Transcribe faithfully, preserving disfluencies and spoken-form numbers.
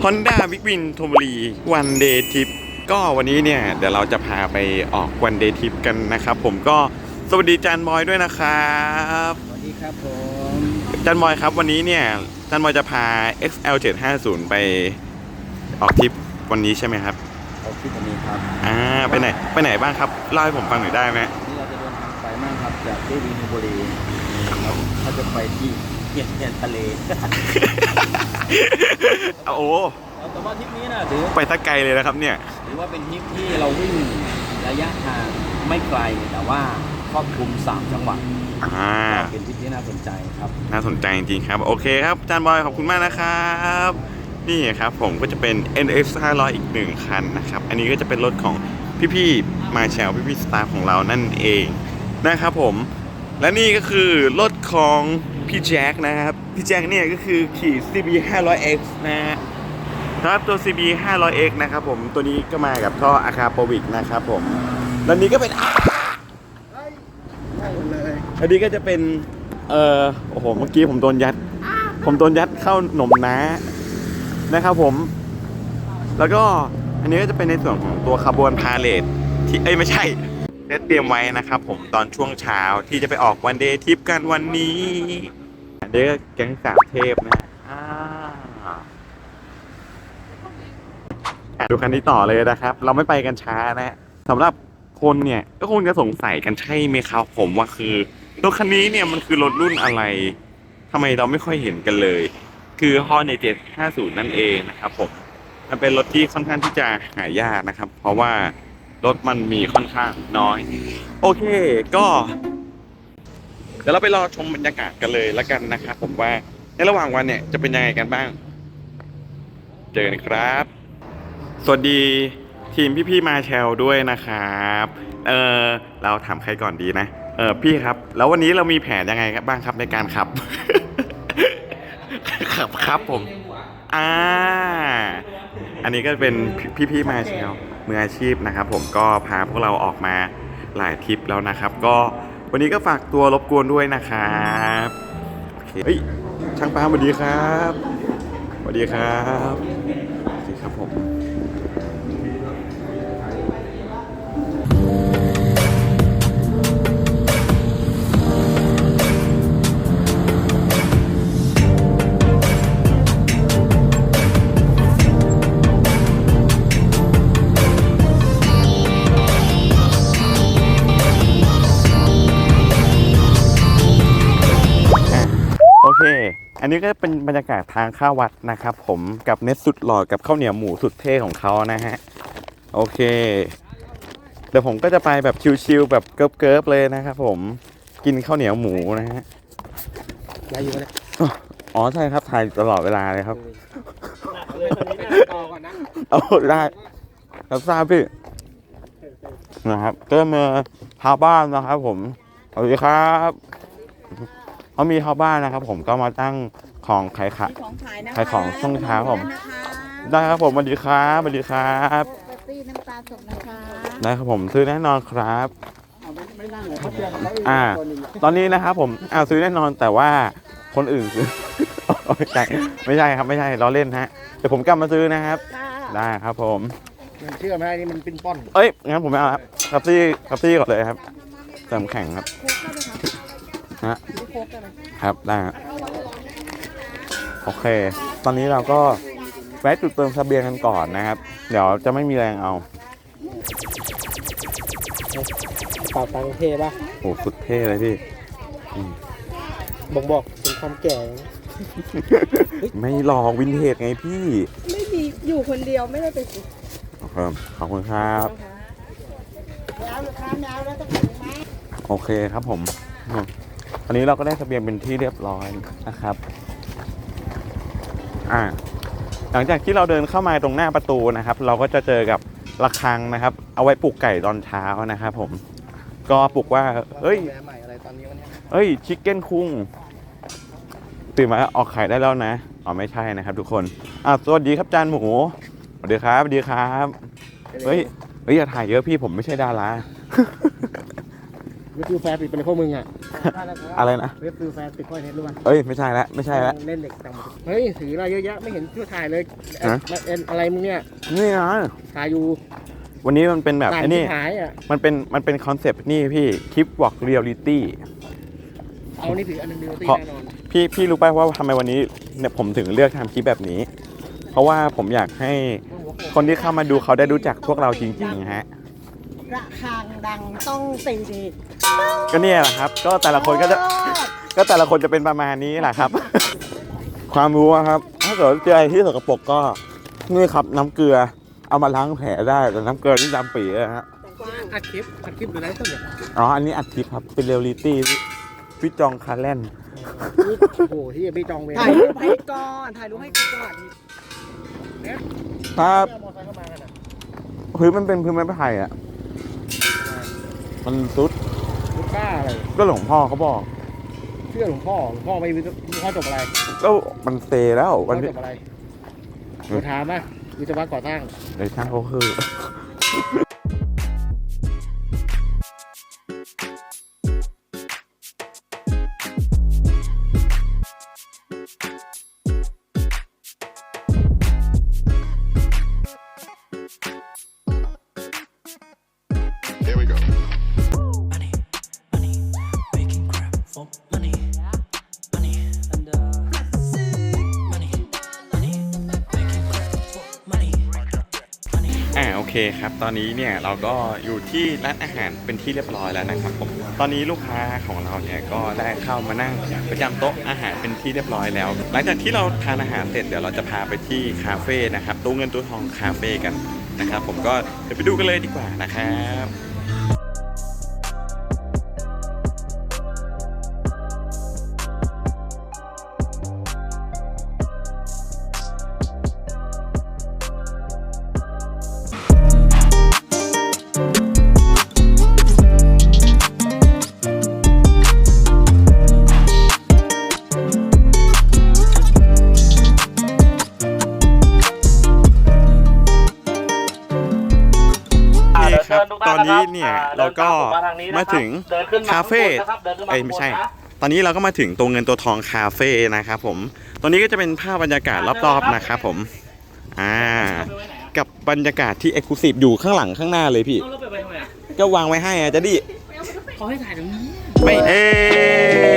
Honda Big Win ธนบุรี One Day Trip ก็วันนี้เนี่ยเดี๋ยวเราจะพาไปออก One Day Trip กันนะครับผมก็สวัสดีจันบอยด้วยนะครับสวัสดีครับผมจันบอยครับวันนี้เนี่ยจันบอยจะพา เอ็กซ์ แอล เจ็ดห้าศูนย์ ไปออกทริปวันนี้ใช่ไหมครับออกทริปวันนี้ครับอ่าไปไหนไปไหนบ้างครับเล่าให้ผมฟังหน่อยได้ไหมนี่เราจะเดินทางไปมากครับจากที่วินบุรีเราจะไปที่เทียนเทียนทะเลโอ้แต่ว่าทริปนี้นะถือไปตะไกลเลยนะครับเนี่ยถือว่าเป็นทริปที่เราวิ่งระยะทางไม่ไกลแต่ว่าครอบคลุมสามจังหวัดอ่าเป็นทริปที่น่าสนใจครับน่าสนใจจริงๆครับโอเคครับจันบอยขอบคุณมากนะครับนี่ครับผมก็จะเป็น เอ็น เอ็กซ์ ห้าร้อย อีกหนึ่งคันนะครับอันนี้ก็จะเป็นรถของพี่ๆมาแชลพี่ๆสตาฟของเรานั่นเองนะครับผมและนี่ก็คือรถของพี่แจ็คนะครับพี่แจ็คเนี่ยก็คือขี่ ซี บี ห้าร้อย เอ็กซ์ นะฮะครับตัว ซี บี ห้าร้อย เอ็กซ์ นะครับผมตัวนี้ก็มากับท่ออะคาโปวิกนะครับผมแล้วนี้ก็เป็นอันนี้ก็จะเป็นเอ่อโอ้โหเมื่อกี้ผมโดนยัดผมโดนยัดเข้าหนมน้านะครับผมแล้วก็อันนี้ก็จะเป็นในส่วนของตัวขบวนพาเลทที่เอ้ยไม่ใช่ได้เตรียมไว้นะครับผมตอนช่วงเช้าที่จะไปออกวันเดย์ทริปกันวันนี้เด็กแก๊งสามเทพนะดูคันนี้ต่อเลยนะครับเราไม่ไปกันช้านะสำหรับคนเนี่ยก็คงจะสงสัยกันใช่ไหมครับผมว่าคือรถคันนี้เนี่ยมันคือรถรุ่นอะไรทำไมเราไม่ค่อยเห็นกันเลยคือ Hornet เจ็ดห้าศูนย์นั่นเองนะครับผมมันเป็นรถที่ค่อนข้างที่จะหายากนะครับเพราะว่ารถมันมีค่อนข้างน้อยโอเคก็เดี๋ยวเราไปรอชมบรรยากาศกันเลยแล้วกันนะครับผมว่าในระหว่างวันเนี่ยจะเป็นยังไงกันบ้างเจอกันครับสวัสดีทีมพี่ๆมาแชลด้วยนะครับเออเราถามใครก่อนดีนะเออพี่ครับแล้ววันนี้เรามีแผนยังไงบ้างครับในการขับ ขับครับผมอ่าอันนี้ก็เป็นพี่ๆมาแชลมืออาชีพนะครับผมก็พาพวกเราออกมาหลายทริปแล้วนะครับก็วันนี้ก็ฝากตัวรบกวนด้วยนะครับโอเคเฮ้ยช่างปาสวัสดีครับสวัสดีครับสวัสดีครับผมอันนี้ก็เป็นบรรยากาศทางเข้าวัดนะครับผมกับเน็ตสุดหล่อกับข้าวเหนียวหมูสุดเท่ของเขานะฮะโอเคเดี๋ยวผมก็จะไปแบบชิลๆแบบเกิร์ฟๆเลยนะครับผมกินข้าวเหนียวหมูนะฮะได้อยู่เลยอ๋อใช่ครับถ่ายตลอดเวลาเลยครับเอาได้รับทราบพี่นะครับก็มาชาวบ้านนะครับผมสวัสดีครับเขามีชาวบ้านนะครับผมก็มาตั้งของขายขายขายของช่วงเช้าผมได้ครับผมสวัสดีครับสวัสดีครับน้ำตาลสดนะคะได้ครับผมซื้อแน่นอนครับอ่าตอนนี้นะครับผมอ่าซื้อแน่นอนแต่ว่าคนอื่นซื้อไม่ใช่ไม่ใช่ครับไม่ใช่เราเล่นฮะเดี๋ยวผมกลับมาซื้อนะครับได้ครับผมเชื่อไหมนี่มันปิ้นป้อนเอ้ยงั้นผมไม่เอาครับคับซี่คับซี่ก่อนเลยครับเติมแข็งครับฮะครับได้โอเคตอนนี้เราก็แวะจุดเติมเสบียงกันก่อนนะครับเดี๋ยวจะไม่มีแรงเอาเป่าตังเท่ป่ะโอ้สุดเท่เลยพี่บอกบอกเป็นความแก่ไม่ลองวินเทจไงพี่ไม่มีอยู่คนเดียวไม่ได้ไปสิครับขอบคุณครับโอเคครับผมอันนี้เราก็ได้เสบียงเป็นที่เรียบร้อยนะครับอ่าหลังจากที่เราเดินเข้ามาตรงหน้าประตูนะครับเราก็จะเจอกับระฆังนะครับเอาไว้ปลุกไก่ตอนเช้านะครับผมก็ปลุกว่าเอ้ยเอ้ยชิคเก้นคุ้งตื่นมาออกไข่ได้แล้วนะอ๋อไม่ใช่นะครับทุกคนอ่าสวัสดีครับจานหมูสวัสดีครับสวัสดีครับเฮ้ยเฮ้ยอย่าถ่ายเยอะพี่ผมไม่ใช่ดาราเว็บฟิวแฟร์ปิดไปเลยพวกมึงอ่ะอะไรนะเว็บฟิวแฟร์ปิดค่อยเน็ตรู้ป่ะเอ้ยไม่ใช่ละไม่ใช่ละเล่นเด็กต่างประเทศเฮ้ยถืออะไรเยอะแยะไม่เห็นช่วยถ่ายเลยฮะเอ็นอะไรมึงเนี่ยนี่นะถ่ายอยู่วันนี้มันเป็นแบบถ่ายไอ้นี่ที่หายอ่ะมันเป็นมันเป็นคอนเซปต์นี่พี่คลิปวอล์กเรียลลิตี้เอานี่ถืออันหนึงดีตีเพราะแน่นอนพี่พี่รู้ป่ะว่าทำไมวันนี้เนี่ยผมถึงเลือกทำคลิปแบบนี้ เพราะว่าผมอยากให้คนที่เข้ามาดูเขาได้รู้จักพวกเราจริงๆฮะระฆังดังต้องตีดีก็เนี่ยแหละครับ ก็แต่ละคนก็จะก็แต่ละคนจะเป็นประมาณนี้แหละครับ ความรู้อะครับ ถ้าเกิดเจออะไรที่สกปรกก็นี่ครับน้ำเกลือเอามาล้างแผลได้แต่น้ำเกลือนี่ดำปีเลยฮะอัดคลิปอัดคลิปอยู่ไหนต้นเนี่ยอ๋ออันนี้อัดคลิปครับเป็นเรียลลิตี้พี่จองคาร์แลนด์โอ้โหที่ไม่จองเวรถ่ายรูปให้ก่อนถ่ายรูปให้ก่อนครับเอามอเตอร์ไซค์เข้ามากันอ่ะพื้นมันเป็นพื้นไม้ไผ่อะมันซุดลูกบ้าอะไรก็หลวงพ่อเขาบอกเชื่อหลวงพ่อหลวงพ่อไม่รู้หลวงพ่อจบอะไรก็มันเซแล้วหลวงพ่วัอนนี้จบอะไรกูถามอ่ะวิศวะก่อสร้างในช่างเขาคือ Here we go. Money, money, making crap for money, money, and uh, money, money, making crap for money, money. อ่าโอเคครับ ตอนนี้เนี่ยเราก็อยู่ที่ร้านอาหารเป็นที่เรียบร้อยแล้วนะครับผมตอนนี้ลูกค้าของเราเนี่ยก็ได้เข้ามานั่งประจำโต๊ะอาหารเป็นที่เรียบร้อยแล้ว หลังจากที่เราทานอาหารเสร็จเดี๋ยวเราจะพาไปที่คาเฟ่นะครับตู้เงินตู้ทองคาเฟ่กันนะครับผมก็เดี๋ยวไปดูกันเลยดีกว่านะครับ โอเคครับตอนนี้เนี่ยเราก็มาถึงคาเฟ่ไอ้ยไม่ใช่ ตอนนี้เราก็มาถึงตัวเงินตัวทองคาเฟ่นะครับผมตอนนี้ก็จะเป็นภาพบรรยากาศรอบๆนะครับผมอ่ากับบรรยากาศที่เอกลุศิอยู่ข้างหลังข้างหน้าเลยพี่เอารถไปไปทำไมอ่ะก็วางไว้ให้อะจะดิเขาให้ถ่ายตรงนี้ไม่เอ๊ะ